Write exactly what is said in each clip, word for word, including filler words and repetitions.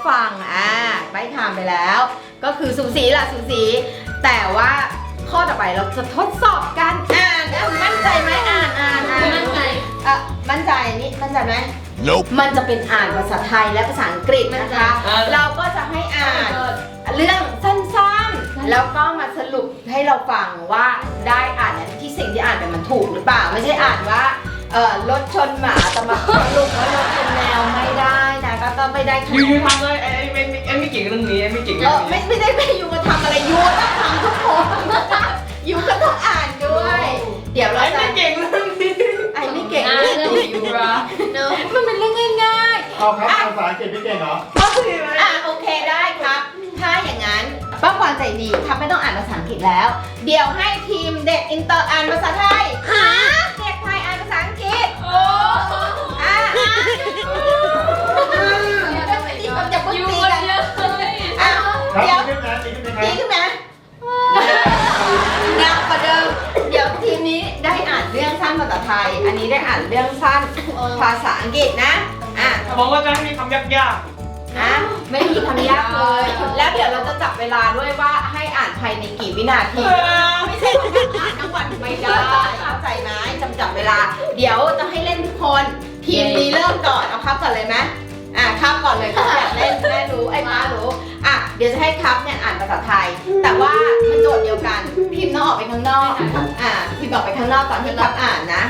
ฟังอ่าใบถามไปแล้วก็คือสูสีล่ะสูสีแต่ว่าข้อต่อไปเราจะทดสอบการอ่านอ่ะมั่นใจไหมอ่านอ่านอ่านมั่นใจอ่ะมั่นใจนี่มั่นใจไหม Nope มันจะเป็นอ่านภาษาไทยและภาษาอังกฤษนะคะ เราก็จะให้อ่านเรื่องสั้นๆแล้วก็มาสรุปให้เราฟังว่าได้อ่านที่สิ่งที่อ่านไปมันถูกหรือเปล่าไม่ใช่อ่านว่าเออรถชนหมาแต่มาสรุปว่ารถชนแมวไม่ได้นะก็ต้องไม่ได้ยูยูทำเลยไอ้ไม่ไม่ไอ้ไม่เก่งเรื่องนี้ไอ้ไม่เก่งเอเรื่องอนี้ไม่ไม่ได้ไปยูมาทำอะไรยูต้องทำทุกคนยูก็ต้องอ่านด้วย เดี๋ยวเราไอ้จะไม่เก่งเรื่องนี้ไอ้ไม่เก่งอ่าเรื่องเรื่องนี้ยูราเนอะมันเป็นเรื่องง่ายๆเอาครับภาษาอังกฤษไม่เก่งเหรอก็คืออ่ะโอเคได้ครับ ถ้าอย่างนั้นป้าควานใจดีครับไม่ต้องอ่านภาษาอังกฤษแล้ว เดี๋ยวให้ทีมเด็กอินเตอร์อ่านภาษาไทยหาเด็กไทยอ่านภาษาอังกฤษโอ้อ่ะจะไปตีกันจะพูดยูตีรากันเยอะเลยอ่ะครับเดี๋ยวดีขึ้นนะดีขึ้นไหมดีขึ้นไหมหนักกว่าเดิมเดี๋ยวทีมนี้ได้อ่านเรื่องสั้นภาษาไทย อันนี้ได้อ่านเรื่องสั้นภาษาอังกฤษนะอ่ะบอกว่าจะให้มีคำยากนะไม่มีคำยากเลย แล้วเดี๋ยวเราจะจับเวลาด้วยว่าให้อ่านภายในกี่วินาๆที ไม่ใช่อ่านทั้งวันไม่ได้เข้าใจไหมจำจับเวลา เดี๋ยวจะให้เล่นทุกคน ทีมนี้เริ่มก่อน เอาครับก่อนเลยไหมอ่ะครับก่อนเลยครับอยากเล่นแม่รู้ไอ้ม้ารู้อ่ะเดี๋ยวจะให้ครับเนี่ยอ่านภาษาไทย แต่ว่ามันโจทย์เดียวกัน พิมพ์ต้องออกไปข้างนอก อ่ะพิมพ์ออกไปข้างนอกก่อนที่ครับอ่านนะ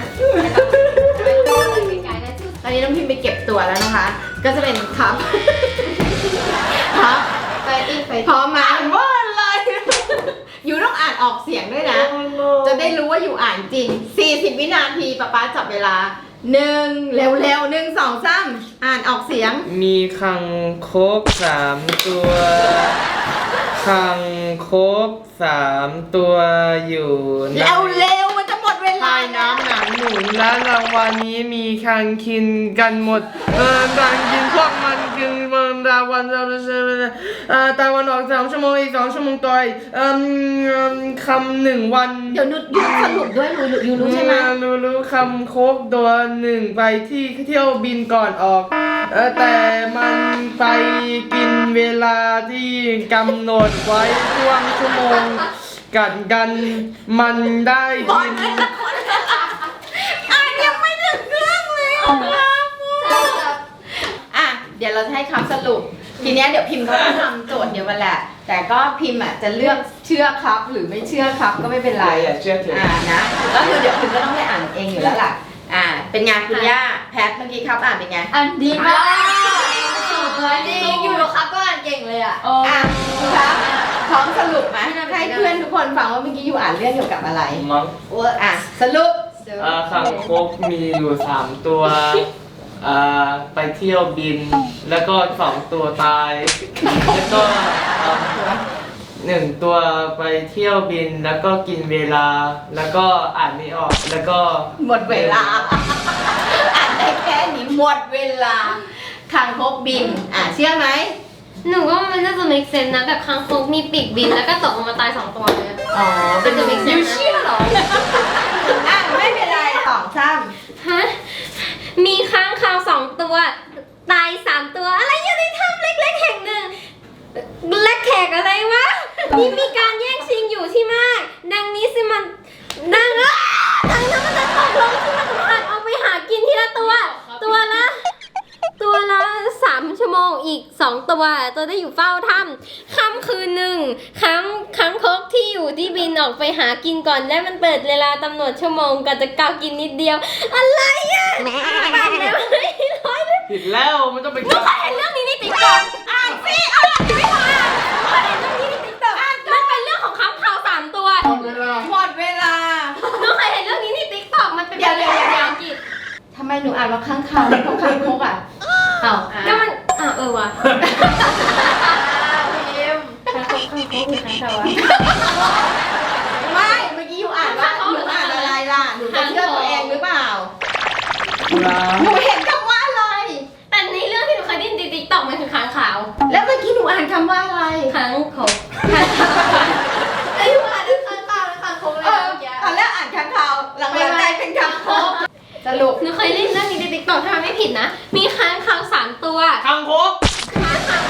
ตอนนี้น้องพิมพ์ไปเก็บตัวแล้วนะคะ ก็จะเป็นครับ ครับไฟติ้งไฟพร้อมไหมว่าอะไร อยู่ต้องอ่านออกเสียงด้วยนะ จะได้รู้ว่าอยู่อ่านจริง สี่สิบ วินาทีป๊าป๊าจับเวลาหนึ่งเร็วๆหนึ่งสองสามอ่านออกเสียงมีคังคกสามตัวคังคกสามตัวอยู่ในเร็วๆมันจะหมดเวลาใต้น้ำหนังหนุนและรางวัลนี้มีคังกินกันหมดเออคังกินพวกมันกินเมืองรางวัลเราจะเอ่อตะวันออกสามชั่วโมงอีกสองชั่วโมงต่อยเอ่อคำหนึ่งวันเดี๋ยวนุชยูสรุปด้วยรู้ยูรู้ใช่ไหมรู้รู้คำโคกตัวหนึ่งไปที่เที่ยวบินก่อนออกเออแต่มันไปกินเวลาที่กำหนดไว้ช่วงชั่วโมงกันกันมันได้กินอ่านยังไม่ถึงเรื่องเลยอ่ะเดี๋ยวเราจะให้คำสรุป ทีเนี้ยเดี๋ยวพิมพ์ก็ต้องทำโจทย์เดียวกันแหละ แต่ก็พิมพ์อ่ะจะเลือกเชื่อครับหรือไม่เชื่อครับก็ไม่เป็นไรอย่าเชื่อถืออ่อ่านะก็คือเดี๋ยวพิมพ์ก็ต้องได้อ่านเองอยู่แล้วล่ะอ่าเป็นไงคุณย่าแพทเมื่อกี้ครับอ่านเป็นไงอันดีมากสุดเลยจริงอยู่ครับก็อ่านเก่งเลยอ่ะอ่ะครับพร้อมสรุปไหมให้เพื่อนทุกคนฟังว่าเมื่อกี้อยู่อ่านเรื่องเกี่ยวกับอะไรมั้งอ่ะสรุปเอ่อคังคกมีอยู่สามตัวเอ่อไปเที่ยวบิน แล้วก็สองตัวตาย แล้วก็เอ่อหนึ่งตัวไปเที่ยวบินแล้วก็กินเวลา แล้วก็อ่านไม่ออกแล้วก็หมดเวลา อ่านได้แค่นี้หมดเวลาคางคกบินอ่ะเชื่อไหมหนูว่ามันน่าจะ make sense นะแบบคางคกมีปีกบินแล้วก็ตกลงมาตายสองตัวเลยอ๋อเป็นจะ make ยู sense เชื่อเหรออ่ะไม่เป็นไรสองซ้ฮะมีค้างคาวสองตัว ตายสามตัวอะไรอยู่ในถ้ำเล็กๆแห่งหนึ่งและแขกอะไรวะนี่มีการแย่งชิงอยู่ที่มาก ดังนี้สิมันดังอ่ะดังนั้นมันจะตกลงที่มันจะผ่านเอาไปหากินทีละตัว ตัวละ ตัวละสามชั่วโมงอีกสองตัวตัวได้อยู่เฝ้าถ้ำค่ำคืนหนึ่งค้างค้างคกที่อยู่ที่บินออกไปหากินก่อนและมันเปิดเวลากำหนดชั่วโมงก่อนจะกาวกินนิดเดียว อะไรอ่ะตัดแล้วไม่ร้อยเลยผิดแล้วมันต้องเป็นหนูเคยเห็นเรื่องนี้ในติ๊กต็อกอ่านสิอ่านไม่พออ่านหนูเคยเห็นเรื่องนี้ในติ๊กต็อกมันเป็นเรื่องของค้างคาวสามตัวหมดเวลาำหมดเวลาหนูเคยเห็นเรื่องนี้ในติ๊กต็อกมันเป็นเดี๋ยวเรื่องเดี๋ยวภาเดี๋ยวษาอังกฤษทำไมหนูอ่านว่าข้างคาวแล้วก็ข้างคกอ่ะอ้าวก็มันอ่ะเออว่ะพิมค้างคกค้างคกหรือค้างคาววะไม่เมื่อกี้อยู่อ่านว่าหนูอ่านอะไรล่ะหนูจะเชื่อตัวเองหรือเปล่าหนูเห็นคำว่าอะไรแต่ในเรื่องที่หนูเคยได้ยินในติ๊กต็อกมันคือค้างขาวแล้วเมื่อกี้หนูอ่านคำว่าอะไรค้างคกค้างคาวไอ้หนูอ่านเรื่องค้างคาวและค้างคกเลยเออเมื่อกี้ตอนแรกอ่านคำคาวหลังๆกลายเป็นคำคกสรุปหนูเคยเล่นเรื่องนี้ในติ๊กต็อกถ้าไม่ผิดนะ มีค้างคาวสามตัวคังคกค้างคาว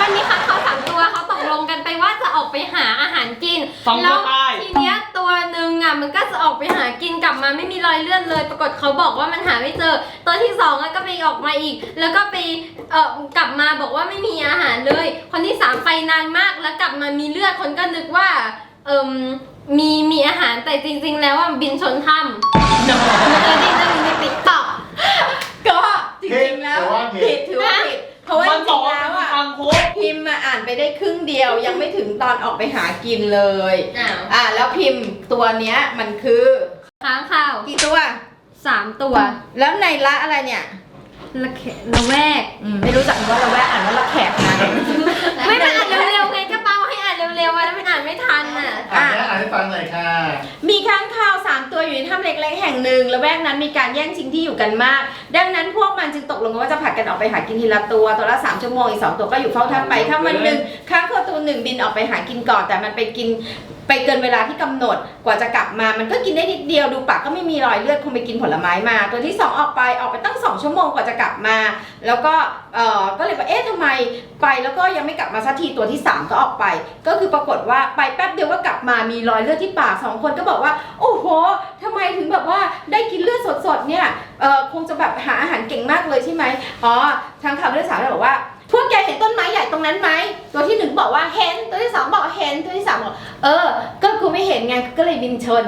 มันมีค้างคาวสามตัวเขาตกลงกันไปว่าจะออกไปหาอาหารกินสองตัวแล้วตายทีเนี้ยตัวหนึ่งอ่ะมันก็จะออกไปหากินกลับมาไม่มีรอยเลือดเลย ปรากฏเขาบอกว่ามันหาไม่เจอ ตัวที่สองอ่ะก็ไปออกมาอีก แล้วก็ไปเอ่อกลับมาบอกว่าไม่มีอาหารเลย คนที่สามไปนานมากแล้วกลับมามีเลือดคนก็นึกว่าเอิมมีมีอาหารแต่จริงๆแล้วว่าบินชนถ้ำมันจะได้เรื่องนี้ในติ๊กต็อกก็จริงๆแล้วผิดถือว่าผิดเพราะว่าจมันบริอกงๆว่าแล้วเป็นอ่ะคางคกพิมพ์มาอ่านไปได้ครึ่งเดียวยังไม่ถึงตอนออกไปหากินเลยอ้าวอ่าแล้วพิมพ์ตัวเนี้ยมันคือค้างคาวกี่ตัวสามตัวแล้วในละอะไรเนี่ยละแขละแวกอืมไม่รู้จักว่าละแวกอ่านว่าละแขกนะไม่มันอ่านเร็วๆไงก็เป้าให้อ่านเร็วๆอะแล้วมันอ่านไม่ทันอ่ะอ่านอ่านให้ฟังหน่อยค่ะมีค้างคาวสามตัวอยู่ในถ้ำเล็กๆแห่งหนึ่งละแวกนั้นมีการแย่งชิงที่อยู่กันมาก ดังนั้นพวกมันจึงตกลงกันว่าจะผลัดกันออกไปหากินทีละตัวตัวละสามชั่วโมงอีกสองตัวก็อยู่เฝ้าถ้ำไปถ้าวันหนึ่งค้างคาวตัวหนึ่งบินออกไปหากินก่อนแต่มันไปกินไปเกินเวลาที่กำหนดกว่าจะกลับมามันก็กินได้นิดเดียวดูปากก็ไม่มีรอยเลือดคงไปกินผลไม้มา ตัวที่สองออกไปออกไปตั้งสองชั่วโมงกว่าจะกลับมา แล้วก็เออก็เลยว่าเอ๊ะทำไมไปแล้วก็ยังไม่กลับมาสักทีตัวที่สามก็ออกไป ก็คือปรากฏว่าไปแป๊บเดียวก็กลับมามีรอยเลือดที่ปากสองคนก็บอกว่าโอ้โหทำไมถึงแบบว่าได้กินเลือดสดๆเนี่ยเออคงจะแบบหาอาหารเก่งมากเลยใช่ไหมอ๋อทางข่าวเลือดสาวเลยบอกว่าพวกแกเห็นต้นไม้ใหญ่ตรงนั้นไหมตัวที่หนึ่งบอกว่าเห็นตัวที่สองบอกเห็นตัวที่สามบอกเออก็กูไม่เห็นไงก็เลยบินชน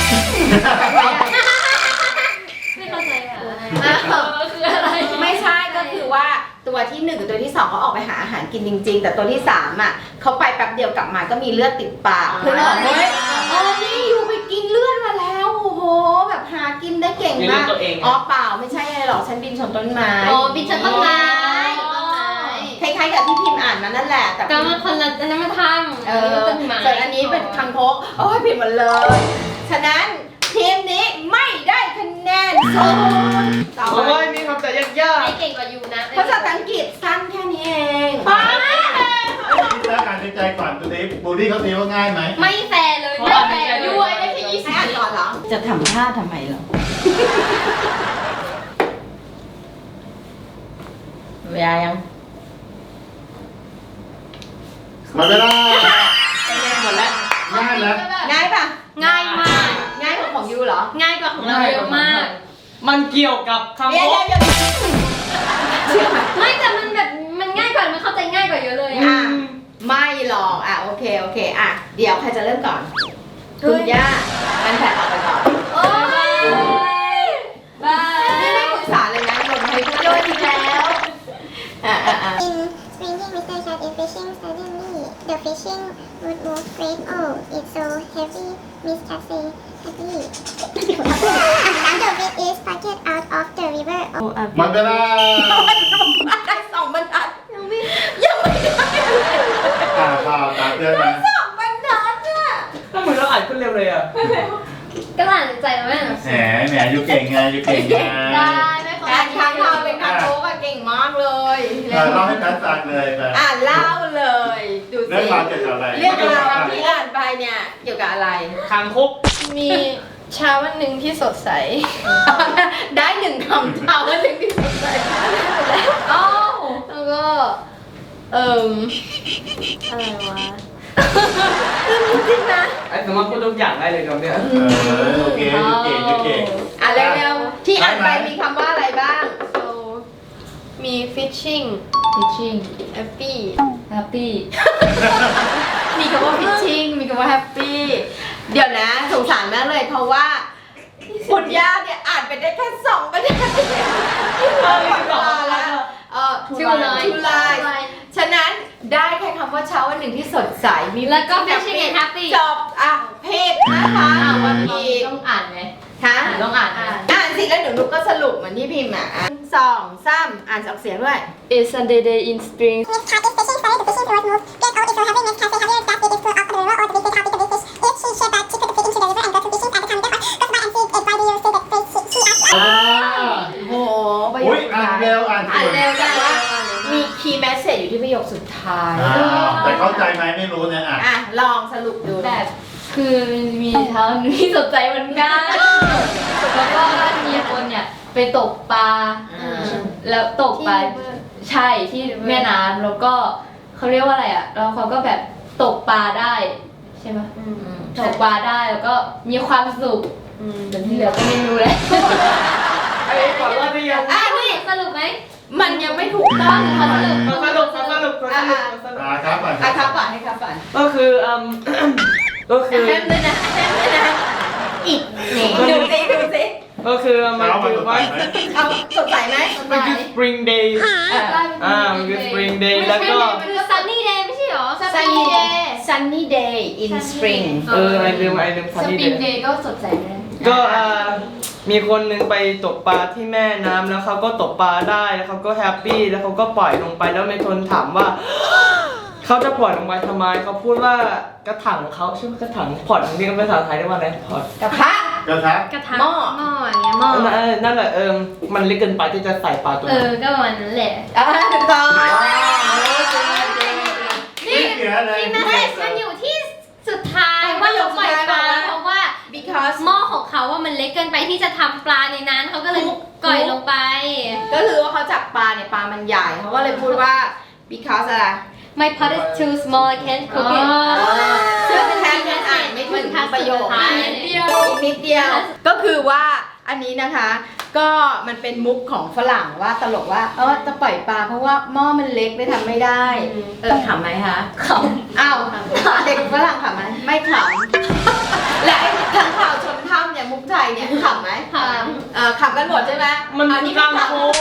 ไม่เข้าใจอ่ะอ้าวคืออะไรไม่ใช่ก็คือว่าตัวที่หนึ่งกับตัวที่สองเขาออกไปหาอาหารกินจริง ๆ แต่ตัวที่สามอ่ะเขาไปแป๊บเดียวกลับมาก็มีเลือดติดปากเพื่อนบอกเฮ้ยเออนี่อยู่ไปกินเลือดมาแล้วโอ้โหแบบหากินได้เก่งมีมาเรื่องกตัวเองอ๋อเปล่าไม่ใช่อะไรหรอกฉันบินชนต้นไม้อ๋อบินชนต้นไม้คล้ายๆกับที่พิมพ์อ่านมานั่นแหละแต่ก็มันคนละอันนั้นมาทำเออต้นไม้ส่วนอันนี้เป็นคังคกโอ้ยผิดหมดเลย ฉะนั้นทีมนี้ไม่ได้คะแนนศูนย์ต่อเพราะไปว่ามีคำแต่ยากไม่เก่งกว่ายูนะภาษาอังกฤษสั้นแค่นี้เองคิดแล้วการใจก่อนตัวนี้บูลลี่เขาตีว่าง่ายไหมไม่แฟร์เลยไม่แฟร์ยูไอ้ได้แค่ยี่สิบให้อ่านก่อนเหรอ จะทำท่าทำไมเหรอ เวลายังหมดเวลาหมดแล้วง่ายแล้วง่ายปะง่ายมากง่ายกว่าของยูเหรอง่ายกว่าของเราเยอะมากๆมันเกี่ยวกับคางเดี๋คยวกเดี๋ยวเดี๋ยวเชื่อไหมไม่แต่มันแบบมันง่ายกว่ามันเข้าใจง่ายกว่าเยอะเลยอ่ะ ไม่หรอก อ่ะ โอเค โอเค อ่ะ เดี๋ยวใครจะเริ่มก่อน คุณย่ามันแผลออกไปก่อนโอ้ยบายนี่ไม่ปรึกษาเลยนะโยนให้โยนอีกแล้ว อ่ะอ่ะอ่ะ In sprinting, Mister Cat is fishing. Suddenly, the fishing would move great. Oh, it's so heavy. Miss Cat say happily. And the weight is packet out of the river. Oh, หมดเวลาได้สองบรรทัดยังไม่ยังไม่ได้อ่าข่าวตามเพื่อนนะสองบรรทัดอ่ะก็เหมือนเราอ่านขึ้นเร็วเลยอ่ะก็อ่านใจแล้วแม่แหมแหมอยู่เก่งไงอยู่เก่งไงได้ไม่ขอการค้างคาวเป็นคางโคกอะเก่งมากเลยเออเล่าให้การฟังเลยไปอ่านเล่าเลย ดูเรื่อสิงราวเกี่ยวกับอะไรเรื่องราวที่อ่านไปเนี่ยเกี่ยวกับอะไรคางคกมีเช้าวันหนึ่งที่สดใสได้หนึ่งคำเท่าว่าหนึ่งที่สดใสอ้าวแล้วก็ เอิ่มอะไรวะจริงนะไอ้สามารถพูดทุกอย่างได้เลยครับเนี่ยเออโอเคอยู่เก่งอยู่เก่งอ่ะเร็วๆที่อ่านไปมีคำว่าอะไรบ้าง so มี fishing fishing happy happy มีคำว่า fishing มีคำว่า happy เดี๋ยวนะสงสารมากเลยเพราะว่าคุณย่าเนี่ยอ่านไปได้แค่สองประเด็นเออหมดเวลาแล้วเออ Two lines two lines ฉะนั้นได้แค่คำว่าเช้าวันหนึ่งที่สดใสมีแล้วก็ fishing and happy จบอ่ะเพศนะคะอ่าวันอีนี้กต้องอ่านไหมฮะต้องอ่านไหมอ่านสิแล้วเดี๋ยวนุกก็สรุปเหมือนที่พิมพ์อ่ะอ่ะสองสามอ่านออกเสียงด้วย It's Sunday day in spring Miss Cat is fishing. Suddenly, the fishing rod moved. Great. Oh, it's so heavy. Miss Cat say happily. That it is full of the river. Oh, the big fish, how big the big fish. If she should that she could fit into the river and go to fishing. At the time, the goes by and see it. Why do you say that phrase? She, she asked. อ่าโอ้โหประโยอุ้คยสุดอ่านท้ายเร็วอ่านอ่านเก่งเร็วจังวะมีคีย์แมสเซจอยู่ที่ประโยคสุดท้ายอ่าแต่เข้าใจไหมไม่รู้เนี่ยอ่ะอ่ะ ลองสรุปดูแบบคือมีเช้าหนึ่งที่สดใสเหมือนกันแล้วก็มีคนเนี่ยไปตกปลาอ่าแล้วตกปลาใช่ที่แม่น้ำแล้วก็เขาเรียกว่าอะไรอ่ะแล้วเขาก็แบบตกปลาได้ใช่ไหมตกปลาได้แล้วก็มีความสุขแต่ที่เหลือก็ไม่รู้แล้วไอ้ขอรอดได้ยังอ่ะนี่สรุปไหมมันยังไม่ถูกต้องขอสรุปขอสรุปขอสรุปขอสรุปขอสรุปอ่าครับก่อนอ่ะครับฝันให้ครับฝันก็คืออืม ก็คือแฮมเลยนะแฮมเลยนะอีกนี่ดูสิดูสิก็คือมันเช้ามันคือสดใสว่าไหมเอาสดใสไหมมันคือ spring day อ่ามันคือ spring day แล้วก็คือ sunny day ไม่ใช่หรอ sunny day sunny day in spring เออไอลืมไอลืมส sunny ปริง day เดย์ก็สดใสเลยก็อ่ามีคนหนึ่งไปตกปลาที่แม่น้ำแล้วเขาก็ตกปลาได้แล้วเขาก็แฮปปี้แล้วเขาก็ปล่อยลงไปแล้วเมทนถามว่า เขาจะปล่อยลงไปทำไมเขาพูดว่ากระถางของเขาชื่อว่ากระถางพอร์ตนี่เป็นภาษาไทยเรียกว่าอะไรพอร์ตกระทะกระทะกระทะหม้อหม้ออย่างเงี้ยหม้อเออนั่นแหละเออมันเล็กเกินไปที่จะใส่ปลาตัวเอนั้นอก็ประมาณนั้นแหละอ่ะถูกต้องไม่เสียเลยนั่นแหละมันอยู่ที่สุดท้ายว่าเขาปล่อยปลาเพราะว่า because หม้อของเขาว่ามันเล็กเกินไปที่จะทำปลาในนั้นเขาก็เลยก่อยลงไปก็คือว่าเขาจับปลาเนี่ยปลามันใหญ่เขาก็เลยพูดว่า because อะไร My pot is too small I can't cook it ซึ่งแทนยังอ่านไม่ถึงประโยคมันนิดทัเดีดยสุวดท้ายอีกนิดเดียว ก็คือว่าอันนี้นะคะ ก็มันเป็นมุกของฝรั่งว่าตลกว่าเออจะปล่อยปลาเพราะว่าหม้อมันเล็กเลยทำไม่ได้ เออขำไหมคะขำอ้าวเด็กฝรั่งขำไหมไม่ขำและไอ้ทางข่าวชนถ้ำเนี่ยมุกไทยเนี่ยขำไหมค่ะเออขำกันหมดใช่ไหมมันอัมีนี้กาไม่รขำโค้ง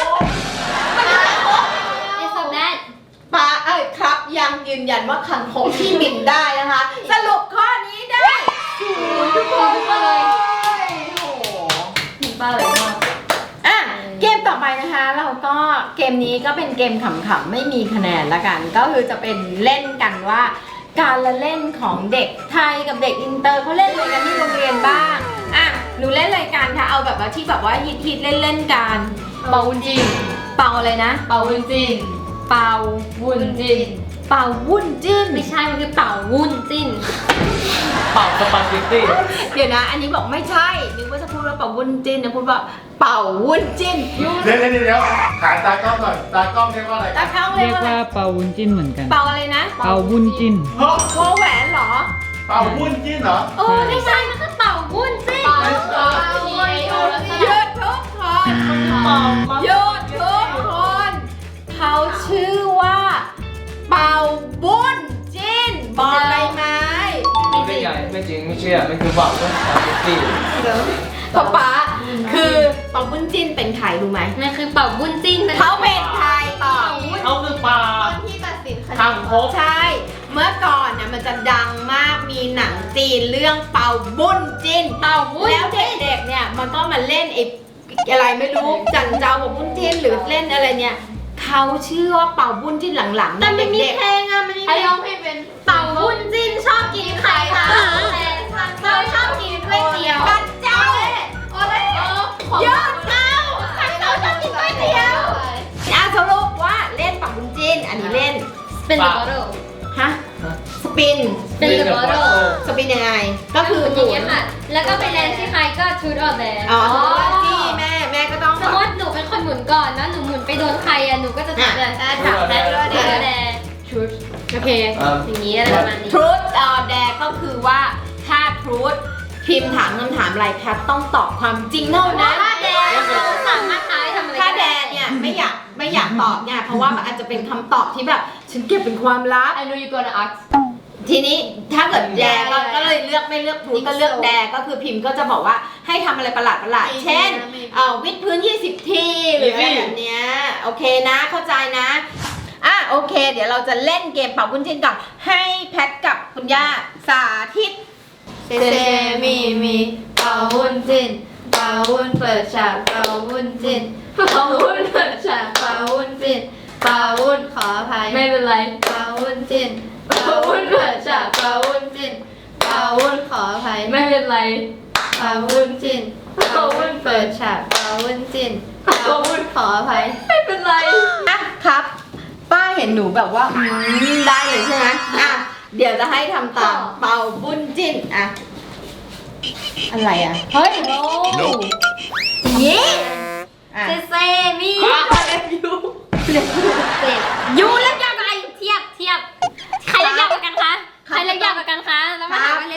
It's a bad ปลาเอ้ยครับยังยืนยันว่าคังคกที่บินได้นะคะ สรุปข้อนี้ได้ศูนย์ทุกคนเลยโอ้โหมีปลาอะไรบ้างอ่ะเกมต่อไปนะคะ เราก็เกมนี้ก็เป็นเกมขำๆไม่มีคะแนนละกัน ก็คือจะเป็นเล่นกันว่า การละเล่นของเด็กไทยกับเด็กอินเตอร์เขาเล่นอะไรกันที่โรงเรียนบ้างอ่ะหนูเล่นรายการค่ะเอาแบบว่าที่แบบว่าฮิตๆเล่นๆกันเป่าวุ้นจินเป่าอะไรนะเป่าวุ้นจินเป่าวุ้นจินเป่าวุ่นจิ้นไม่ใช่มันคือเป่าวุ้นจิ้นเป่าสปาเกตตี้เดี๋ยวนะ อันนี้บอกไม่ใช่นึกว่าจะพูดว่าเป่าวุ้นจิ้นนะพูดว่าเป่าวุ้นจิ้นเดี๋ยวเดี๋ยวเดี๋ยวขายตากล้องก่อนตากล้องเรียกว่าอะไรตาเข้าเรีเรียยกกว่าว่าเปาวุ้นจิ้นเหมือนกันเป่าอะไรนะเปาวุ้นจิ้นเฮ้ยวอแหวนเหรอเป่าวุ้นจิ้นเหรอโอ้ไม่ไม่ใช่มันคือเป่าวุ้นจิ้นเป่าเป่าเป่าแล้วก็หยุดทุกคนหยุดทุกคนเขาชื่อว่าเป่าบุ้นจิ้นบอกใบไม้ไม่ใหญ่ไม่จริงไม่เชื่อมันคือเป่าสปาเกตตี้ป๊าป๊าคือเป่าบุ้นจิ้นเป็นใครรู้ไหมมันคือเป่าวุ้นจิ้นเขาเป็นใครตอบเขาคือปลาคนที่ตัดสินคดีคางคกใช่ เมื่อก่อนเนี่ยมันจะดังมากมีหนังจีนเรื่องเป่าบุ้นจิ้นเป่าวุ้นแล้วเด็กๆเนี่ยมันก็มาเล่นไอ้อะไรไม่รู้จันเจ้ากับบุ้นจิ้นหรือเล่นอะไรเนี่ยเขาชื่อว่าเป่าบุ้นจิ้นหลังๆแต่เนี่ยมันมีเด็กเพลงอะมันมีใครเพลร้อง งเพลงเป็นเป่าวุ้นจิ้นชอบกินไข่ค่ะแต่เราชอบกินก๋วยเตี๋ยวๆกันเจ้าโอ้ยเออของยอดเจ้าเราชอบกินก๋วยเตี๋ยวอ่ะสรุปว่าเล่นเป่าบุ้นจิ้นอันนี้เล่นเป็นเดอะบอทเทิลฮะสปินเป็นเดอะบอทเทิลสปินยังไง ก็คืออหมุย่างเงี้ยนค่ะ แล้วก็ไปแลนด์ที่ใครก็ทูดออกแดนอ๋อสมมติว่าจี้แม่แม่ก็ต้องสมมติหนูเป็นคนหมุนก่อนแล้วหนูหมุนไปโดนใครอะหนูก็จะจับแบบอ่ะจับแดนทูดอแดนชุดโอเค อย่างนี้อะไรประมาณนี้ทรูธออแดก็คือว่าถ้าทรูธพิมพ์ถามคำถามอะไรแพทต้องตอบความจริงเท่านั้นถ้าแดนเราสามารถท้ายทำอะไรถ้าแดนเนี่ยไม่อยากไม่อยากตอบเนี่ยเพราะว่ามันอาจจะเป็นคำตอบที่แบบฉันเก็บเป็นความลับ I know you gonna ask ทีนี้ถ้าเกิดแดก็ก็เลยเลือกไม่เลือกทรูธก็เลือกแดก็คือพิมพ์ก็จะบอกว่าให้ทำอะไรประหลาดประหลาดเช่นเอ่อวิดพื้น ยี่สิบ ทีหรืออะไรแบบเนี้ยโอเคนะเข้าใจนะอ่ะโอเค เดี๋ยวเราจะเล่นเกมเป่าบุญจิ้นก่อนให้แพทกับคุณย่าสาธิตเซเซมีมีเป่าวุ้นจินเป่าวุ้นเปิดฉากเป่าวุ้นจินเป่าวุ้นเปิดฉากเป่าวุ้นจินเป่าวุ้นขออภัยไม่เป็นไรเป่าวุ้นจินเป่าวุ้นเปิดฉากเป่าวุ้นจินเป่าวุ้นขออภัยไม่เป็นไรเป่าวุ้นจินเป่าวุ้นเปิดฉากเป่าวุ้นจินเป่าวุ้นขออภัยไม่เป็นไรอ่ะครับ ป้าเห็นหนูแบบว่าอืมได้เลยใช่ไหมอ่ะเดี๋ยวจะให้ทำตามเป่าบุญจิ้นอ่ะอะไรอ่ะเฮ้ยโน้ยี่อ่ะเซเซมีอ่ะเล็บยูเสร็จยูแล้วยังไงเทียบเทียบ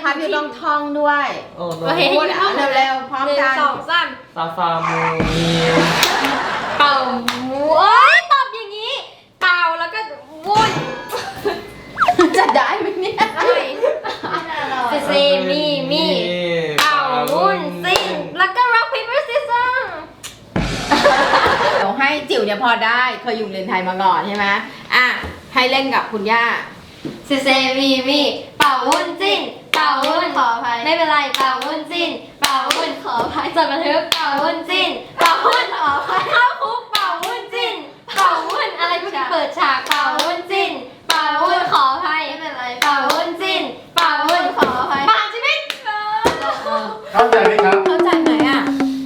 พับอยู่ต้องท่องด้วยโอ้โหโอเคพูดอ่ะเร็วๆพร้อมหนึ่งกันสองสามซาฟามูมีเป่าโอ้ยตอบอย่างนี้ เป่าแล้วก็วุ่นจะได้ไหมเนี่ยเซเซมีมีเป่าวุ่นซิ่งแล้วก็ rock paper scissors เดี๋ยวให้จิ๋วเนี่ยพอได้เคยอยู่เรียนไทยมาก่อนใช่ไหมอ่ะให้เล่นกับคุณย่าเซเซมีมีเป่าวุ่นจิ้นเป่าวุ่นขออภัยไม่เป็นไรเป่าวุ่นจิ้นเป่าวุ่นขออภัยจดบันทึกเป่าวุ่นจิ้นเป่าวุ่นขออภัยเข้าคุกเป่าวุ่นจิ้นเป่าวุ่นอะไรเมื่อกี้เปิดฉากเป่าวุ่นจิ้นเป่าวุ่นขออภัยไม่เป็นไรเป่าวุ่นจิ้นเป่าวุ่นขออภัยปากชีวิตเข้าใจไหมครับเข้าใจไหมอ่ะ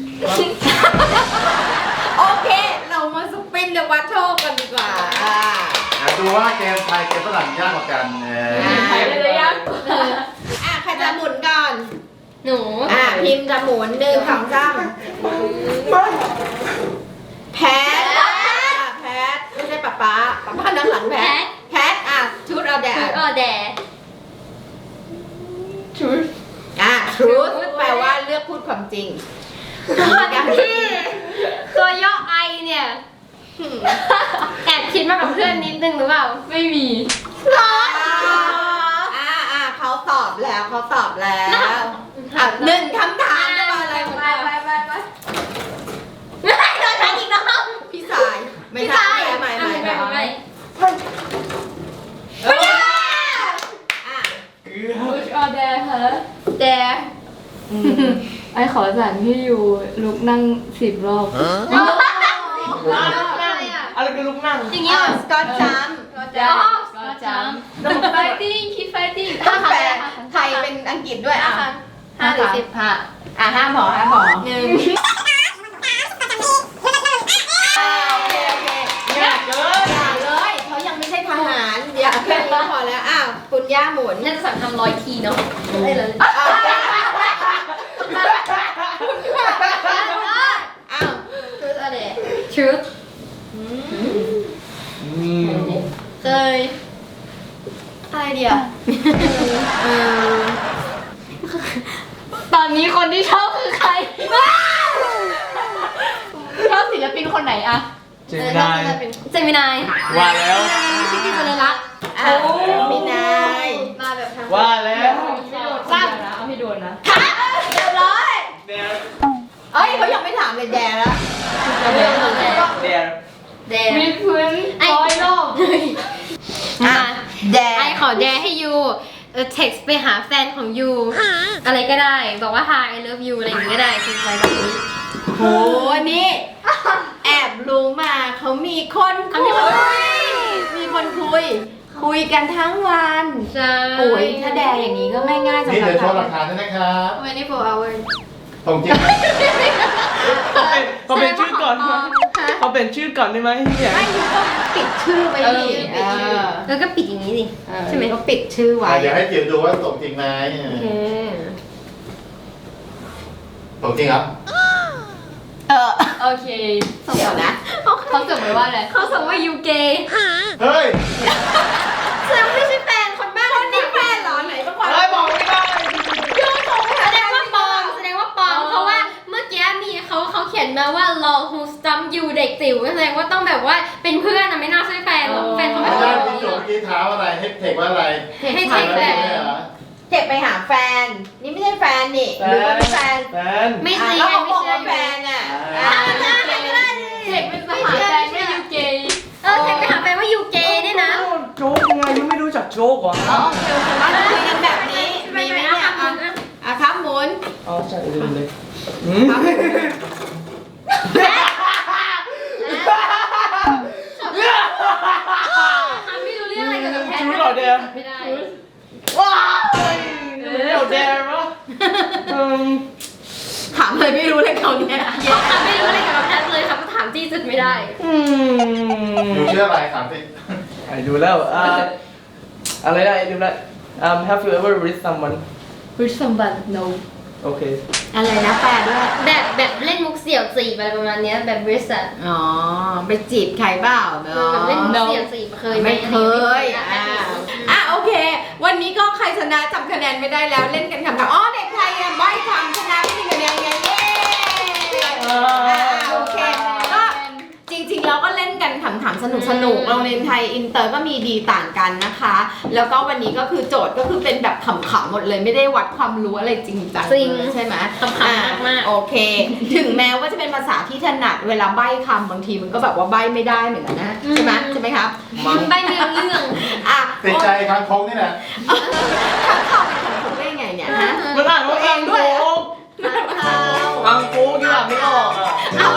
โอเค เรามาสปินเดอะวัตโชคกันดีกว่าอ่าอ่ะดูว่าเกมไทยเกมฝรั่งยากกว่ากันเอออ่าเลยยังอ่ะใครจะหมุนก่อนหนูอ่ะพิมพ์จะหมุนหนึ่งสองสามแพทอ่ะแพทไม่ใช่ป๊าป๊าป๊าป๊านั่งหลังแพทแพทอ่ะชุดเอาแดชุดดออแดอ่ะ truth แปลว่าเลือกพูดความจริงที่ตัวย่อไอเนี่ยแอบคิดมากับเพื่อนนิดนึงหรือเปล่าไม่มีอ่าอ่าอ่าเขาตอบแล้วเขาตอบแล้วอ่ะหนึ่งคำถามจะมาอะไรของไปเราไปไปไปไม่ได้โดนทันอีกแล้วพี่สายไม่ใช่ไม่ไม่ไม่ไม่ไม่อ่ะ Push or dare เหรอ dare ไอขอสั่งพี่อยู่ลุกนั่งสิบรอบอะไรกันลุกนั่งอย่างนี้อ่ะเหรอสกอตจัมป์ก็จำก็จำ ต้อง fighting keep fighting ต้องแปลไทยเป็นอังกฤษด้วยอ่ะห้าหรือสิบห้าอ่ะห้าหมอห้าหมอหนึ่งอ่าโอเคโอเคยากเกินอย่าเลยเขายังไม่ใช่ทหารอย่าแค่นี้พอแล้วอ้าวคุณย่าหมุนน่าจะสั่งทำร้อยทีเนาะได้เลยอ้าวอ้าว Truth or dare truth อืมเคยอะไรเดียวเออตอนนี้คนที่ชอบคือใคร ชอบศิลปินคนไหนอะเจมินายเจมินายว่าแล้วพี่พี่คนเลยรักอ่ะมีนายมาแบบทางว่าแล้วไม่โดนซ้ำนะเอาให้โดนนะเรียบร้อยเดี๋ยวเอ้ยเขายังไม่ถามเลยแดแล้วเดี๋ยวแดมีพื้นร้อยรอบอ่ะแดไอขอแดให้ยูเออ text ไปหาแฟนของยูอะไรก็ได้ บอกว่า hi I love you อะไรอย่างงี้ก็ได้คืออะไรแบบนี้โหนี่ แอบรู้มาเขามีคนเขาคุมียคนคุยมีคนคุย คุยกันทั้งวันใช่โอ้ยถ้าแดอย่างนี้ก็ไม่ง่ายสำหนี่รับเดี๋ยวโชว์หลัเรากฐานด้วยนะครับทเวนตี้โฟร์ hours ตรงจริงไหมเขาเป็นเขาเป็นชื่อก่อนได้ไหมเขาเป็นชื่อก่อนได้ไหมเนี่ยไม่ยูก็ปิดชื่อไว้ดิเออปิดชื่อเออแล้วก็ปิดอย่างนี้สิ ใช่ไหมก็ปิดชื่อไว้อ่ะเดี๋ยวให้จิ๋วดูว่าตรงจริงไหมโอเคตรงจริงครับเออโอเคเดี๋ยวนะเขาส่งไปว่าอะไรเขาส่งว่ายูเกย์เฮ้ยแสดงว่าไม่ใช่แฟนคนบ้านคนนี้แฟนเหรอไหนบ้างวะเฮ้ยบอกไม่ได้แสดงว่าปลอมแสดงว่าปลอมเพราะว่าเมื่อกี้มีเขาเขาเขียนมาว่า lol who stump you เด็กจิ๋วแสดงว่าต้องแบบว่าเป็นเพื่อนนะไม่น่าใช่แฟนหรอกแฟนเขาไม่ไม่ใช่ใช่ที่จบเมื่อกี้เท้าอะไรให้เทคว่าอะไรให้เทคแฟนไม่เหรอเจ็บไปหาแฟน นี่ไม่ใช่แฟนนี่หรือว่าไม่แฟนแฟนไม่อ่ะซีแล้วไงเขาไม่บอกเชื่อว่าอยู่แฟนอ่ะอ่าอ่ะใช่ใช่ก็ได้ดิเด็กเป็นสหาแฟนไม่ยูเกย์เออเทคไปหาแฟนว่ายูเกย์ด้วยนะโจ๊กไงยังไม่รู้จักโจ๊กเหรออ๋อโอเคโอเคว่าจะคุยกันแบบนี้มีไหมเนี่ยอ่ะอ่ะครับหมุนอ๋อใช่ลืมเลยอืมไม่รู้เรื่องอะไรกับแพทชูเหรอเดียวไม่ได้ว้าวเดี๋ยวเดียวมั้งอืมถามเลยไม่รู้เลยเขาเนี่ยเขาไม่รู้อะไรกับแพทเลยครับก็ถามจี้สุดไม่ได้อืมอยู่ชื่ออะไรถามสิไอ้ดูแล้วอ่าอะไรนะไอ้ดูแล้ว um have you ever read someone with someone no โอเคอะไรนะแปลด้วยแบบแบบเล่นมุกเสี่ยวจีบอะไรประมาณเนี้ยแบบบริษัทอ๋อ ไปจีบใครเปล่าเนาะแบบเล่นมุกเสี่ยวจีบเคยหไม่เคยอ่ะอ่าอ่ะโอเควันนี้ก็ใครชนะจำคะแนนไม่ได้แล้วเล่นกันคำถามอ๋อเด็กไทยอ่ะใบ้คำชนะไม่มีคะแนนไงเย้อ่าโอเคก็จริงๆเราก็เล่นกันขำๆสนุกสนุกๆโรงเรียนไทยอินเตอร์ก็มีดีต่างกันนะคะ แล้วก็วันนี้ก็คือโจทย์ก็คือเป็นแบบขำๆหมดเลยไม่ได้วัดความรู้อะไรจริงจังจริงใช่ไหมขำๆมากๆโอเค ถึงแม้ว่าจะเป็นภาษาที่ถนัดเวลาใบ้คำบางทีมันก็แบบว่าใบ้ไม่ได้เหมือนกันนะใช่ไหมใช่ไหมครับมันใบไม่รู้เรื่องอ่ะติดใจคางคกนี่แหละข้างข่าวเป็นคำพูดได้ไงเนี่ยฮะมันอ่านว่าเองด้วยข้างข่าวบางกูที่แบบไม่ออกอ่ะเอา